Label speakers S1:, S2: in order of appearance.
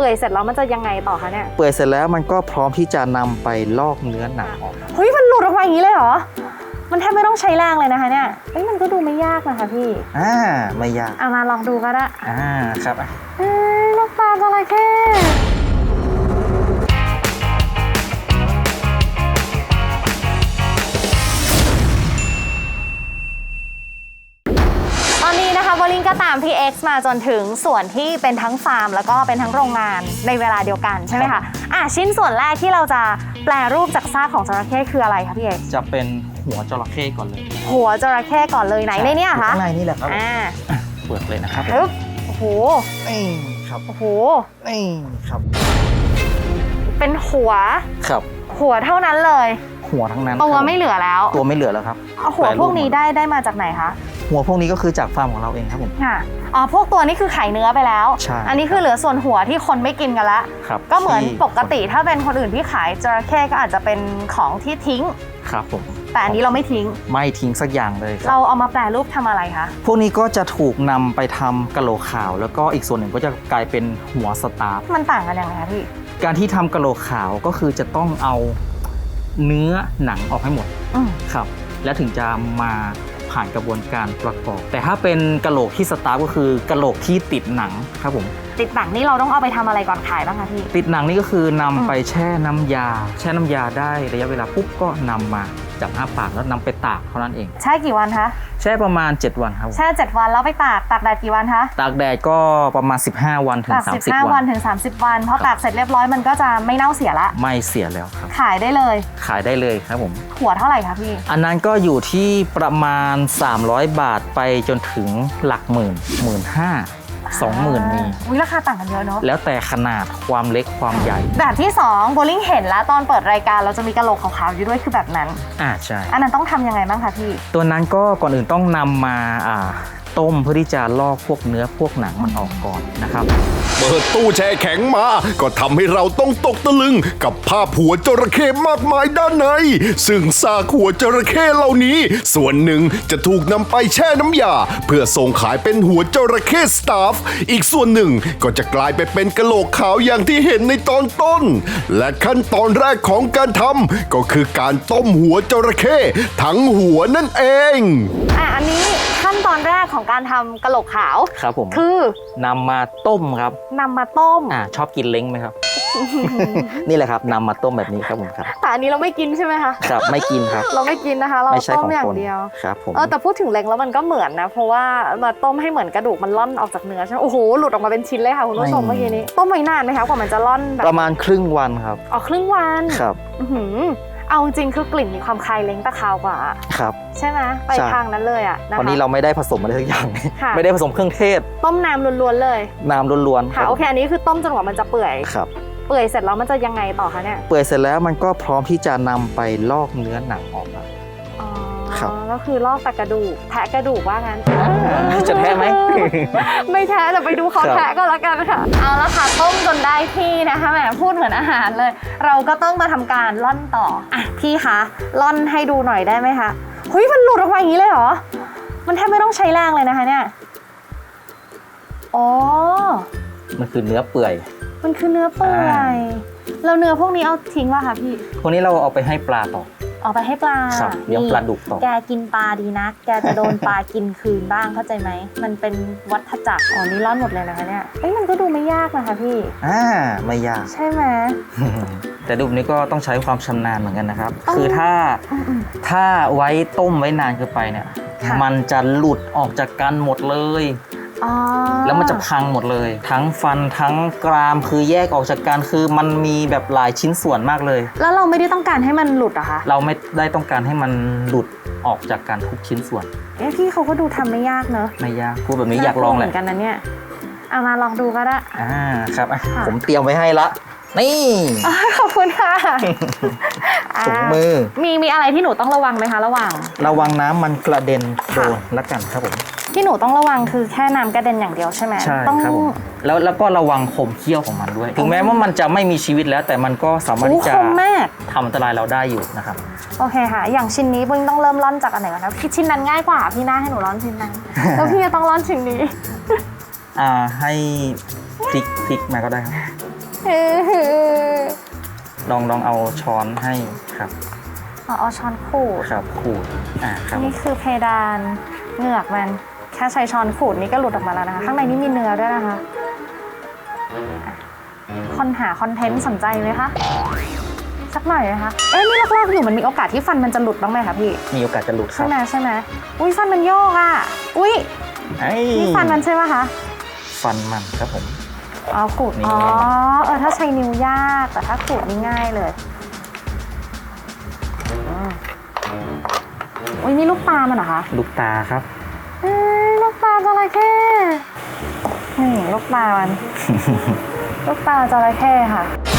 S1: ปื่อยเสร็จแล้วมันจะยังไงต่อคะเนี่ย
S2: เปื่อยเสร็จแล้วมันก็พร้อมที่จะนำไปลอกเนื้อหนังออก
S1: เฮ้ยมันหลุดออกมาอย่างนี้เลยเหรอมันแทบไม่ต้องใช้แรงเลยนะคะเนี่ยมันก็ดูไม่ยากนะคะพี่
S2: ไม่ยาก
S1: เอามาลองดูก็ได้
S2: ครับ
S1: ลูกตาจระเข้ตอนนี้นะคะโบลิ่งก็ตามพี่ X มาจนถึงส่วนที่เป็นทั้งฟาร์มแล้วก็เป็นทั้งโรงงานในเวลาเดียวกันใช่ไหมคะชิ้นส่วนแรกที่เราจะแปลรูปจากซากของจระเข้คืออะไรคะพี่ X
S2: จะเป็นหัวจระเข้ก่อนเลย
S1: หัวจระเข้ก่อนเลยไหนในนี้คะ
S2: ข้างในนี่แหละครับเปิดเลยนะครับ
S1: โอ้โห
S2: นี่ครับ
S1: โอ้โห
S2: นี่ครับ
S1: เป็นหัว
S2: ครับ
S1: หัวเท่านั้นเลย
S2: หัวทั้งนั้น
S1: ตัวไม่เหลือแล้ว
S2: ตัวไม่เหลือแล้วครับ
S1: หัวพวกนี้ได้มาจากไหนคะ
S2: หัวพวกนี้ก็คือจากฟาร์มของเราเองครับผม
S1: ค่ะพวกตัวนี้คือไข่เนื้อไปแล้ว
S2: ใช่
S1: อันนี้คือเหลือส่วนหัวที่คนไม่กินกันละก็เหมือนปกติถ้าเป็นคนอื่นที่ขายจระเข้ก็อาจจะเป็นของที่ทิ้ง
S2: ครับผม
S1: แต่อันนี้เราไม่ทิ้ง
S2: สักอย่างเลย
S1: เราเอามาแปรรูปทำอะไรคะ
S2: พวกนี้ก็จะถูกนำไปทำกะโหลกขาวแล้วก็อีกส่วนหนึ่งก็จะกลายเป็นหัวสตาร์ฟ
S1: มันต่างกันยังไงคะพี่
S2: การที่ทำกะโหลกขาวก็คือจะต้องเอาเนื้อหนังออกให้หมดครับแล้วถึงจะมาผ่านกระบวนการประกอบแต่ถ้าเป็นกะโหลกที่สตาร์ฟก็คือกะโหลกที่ติดหนังครับผม
S1: ติดหนังนี่เราต้องเอาไปทำอะไรก่อนขายบ้างคะพี่
S2: ติดหนังนี่ก็คือนำไปแช่น้ำยาได้ระยะเวลาปุ๊บก็นำมาจับปากแล้วนำไปตากเท่านั้นเอง
S1: แช่กี่วันคะ
S2: แช่ประมาณ7 วันครับ
S1: แช่7 วันแล้วไปตากแดดกี่วันคะ
S2: ตากแดดก็ประมาณ15 วันถึง30
S1: วันถึง30 วันพอตากเสร็จเรียบร้อยมันก็จะไม่เน่าเสียละ
S2: ไม่เสียแล้วครับ
S1: ขายได้เลย
S2: ครับผม
S1: หัวเท่าไหร่คะพี่
S2: อันนั้นก็อยู่ที่ประมาณ300 บาทไปจนถึงหลักหมื่น15,000 20,000มี
S1: ราคาต่างกันเยอะเนาะ
S2: แล้วแต่ขนาดความเล็กความใหญ่
S1: แบบที่2โบลิ่งเห็นแล้วตอนเปิดรายการเราจะมีกะโหลกขาวๆอยู่ด้วยคือแบบนั้น
S2: ใช่
S1: อันนั้นต้องทำยังไงบ้างคะพี่
S2: ตัวนั้นก็ก่อนอื่นต้องนำมาต้มเพื่อที่จะลอกพวกเนื้อพวกหนังมันออกก่อนนะครับ
S3: เปิดตู้แช่แข็งมาก็ทำให้เราต้องตกตะลึงกับภาพหัวจระเข้มากมายด้านในซึ่งซากหัวจระเข้เหล่านี้ส่วนหนึ่งจะถูกนำไปแช่น้ำยาเพื่อส่งขายเป็นหัวจระเข้สตาฟอีกส่วนหนึ่งก็จะกลายไปเป็นกะโหลกขาวอย่างที่เห็นในตอนต้นและขั้นตอนแรกของการทำก็คือการต้มหัวจระเข้ทั้งหัวนั่นเอง
S1: อันนี้ขั้นตอนแรกของการทำกะโหลกขาว
S2: ครับผม
S1: คื
S2: อนำมาต้มครับ
S1: นำมาต้ม
S2: ชอบกินเล้งไหมครับ นี่แหละครับนำมาต้มแบบนี้ครับผมครับ
S1: แต่อันนี้เราไม่กินใช่ไหมคะ
S2: ครับไม่กินครับ
S1: เราไม่กินนะคะเราต้มอย่างเดียว
S2: ครับผม
S1: แต่พูดถึงเล้งแล้วมันก็เหมือนนะเพราะว่ามาต้มให้เหมือนกระดูกมันล่อนออกจากเนื้อใช่ไหมโอ้โหหลุดออกมาเป็นชิ้นเลยค่ะคุณผู้ชมเมื่อกี้นี้ต้มไว้นานไหมคะกว่ามันจะล่อนแบบ
S2: ประมาณครึ่งวันครับ
S1: ครึ่งวัน
S2: ครับ
S1: เอาจริงคือกลิ่นมีความคล้ายเล้งตะคาวกว่า
S2: ครับ
S1: ใช่ไหมไปทางนั้นเลย
S2: นะคะวันนี้เราไม่ได้ผสมอะไรทุกอย่างไม่ได้ผสมเครื่องเทศ
S1: ต้มน้ำล้วนๆเลย
S2: น้ำล้วน
S1: ๆค่ะโอเคอันนี้คือต้มจนกว่ามันจะเปื่อย
S2: ครับ
S1: เปื่อยเสร็จแล้วมันจะยังไงต่อคะเนี่ย
S2: เปื่อยเสร็จแล้วมันก็พร้อมที่จะนำไปลอกเนื้อหนังออกมา
S1: ก็คือลอกแต่กระดูกแทะกระดูกว่างั้น
S2: จะแทะไหม
S1: ไม่แทะแต่ไปดูเขาแทะก็แล้วกันค่ะเอาละค่ะต้มจนได้ที่นะคะแหมพูดเหมือนอาหารเลยเราก็ต้องมาทำการล่อนต่อพี่คะล่อนให้ดูหน่อยได้ไหมคะเฮ้ยมันหลุดออกมาอย่างนี้เลยเหรอมันแทบไม่ต้องใช้แรงเลยนะคะเนี่ย
S2: มันคือเนื้อเปื่อย
S1: มันคือเนื้อเปื่อยแล้วเนื้อพวกนี้เอาทิ้งป่ะคะพี่
S2: พวกนี้เราเอาไปให้ปลาต่อ
S1: เอาไปให้ปลา
S2: เลี้ยงปลาดุกต่อ
S1: แกกินปลาดีนะแกจะโดนปลากินคืนบ้างเข้าใจไหมมันเป็นวัฏจักรนี่ร่อนหมดเลยนะคะเนี่ยมันก็ดูไม่ยากนะคะพี่
S2: ไม่ยาก
S1: ใช่ไหม
S2: แต่ดูนี้ก็ต้องใช้ความชำนาญเหมือนกันนะครับคือถ้าไว้ต้มไว้นานเกินไปเนี่ยมันจะหลุดออกจากกันหมดเลยแล้วมันจะพังหมดเลยทั้งฟันทั้งกรามคือแยกออกจากกันคือมันมีแบบหลายชิ้นส่วนมากเลย
S1: แล้วเราไม่ได้ต้องการให้มันหลุดอะคะ
S2: เราไม่ได้ต้องการให้มันหลุดออกจากกันทุกชิ้นส่วน
S1: พี่เขาก็ดูทำไม่ยากเนอะ
S2: ไม่ยากพูดแบบนี้อยากลองแหละ
S1: เหมือนกันนะเนี่ยเอามาลองดูก็ได้
S2: ครับผมเตรียมไว้ให้ละนี่
S1: ขอบคุณค่ะ
S2: ถุงมือ
S1: มีอะไรที่หนูต้องระวังไหมคะระ
S2: วังน้ำมันกระเด็นโดนละกันครับผม
S1: ที่หนูต้องระวังคือแค่น้ำกระเด็นอย่างเดียวใช่ไหม
S2: ใช่ครับผมแล้วก็ระวังคมเขี้ยวของมันด้วยถึงแม้ว่ามันจะไม่มีชีวิตแล้วแต่มันก็สามารถที่จะทำอันตรายเราได้อยู่นะครับ
S1: โอเคค่ะอย่างชิ้นนี้บุ้งต้องเริ่มร่อนจากอันไหนก่อนนะชิ้นนั้นง่ายกว่าพี่น่าให้หนูร่อนชิ้นนั้นแล้วพี่จะต้องร่อนชิ้นนี้
S2: ให้พลิกมาก็ได้ครับลองเอาช้อนให้ครับ
S1: เอาช้อนขูด
S2: ครับขูดครับ
S1: นี่คือเพดานเหงือกมันแค่ใช้ช้อนขูดนี่ก็หลุดออกมาแล้วนะคะข้างในนี่มีเนื้อด้วยนะคะคนหาคอนเทนต์สนใจไหมคะสักหน่อยไหมคะนี่ลอกๆอยู่มันมีโอกาสที่ฟันมันจะหลุดบ้างไหมคะพี่
S2: มีโอกาสจะหลุดครั
S1: ใช่
S2: บ
S1: ไหมอุ้ยฟันมันโยกอ่ะอุ้ยนี่ฟันมันใช่ไหมคะ
S2: ฟันมันครับผม
S1: ขูด
S2: นี่
S1: ถ้าใช้นิ้วยากแต่ถ้าขูดนี่ง่ายเลยอุ้ยนี่ลูกตามันเหรอคะ
S2: ลูกตาครับ
S1: ลูกตาจระเข้นี่ลูกตามัน ลูกตาจระเข้ค่ะ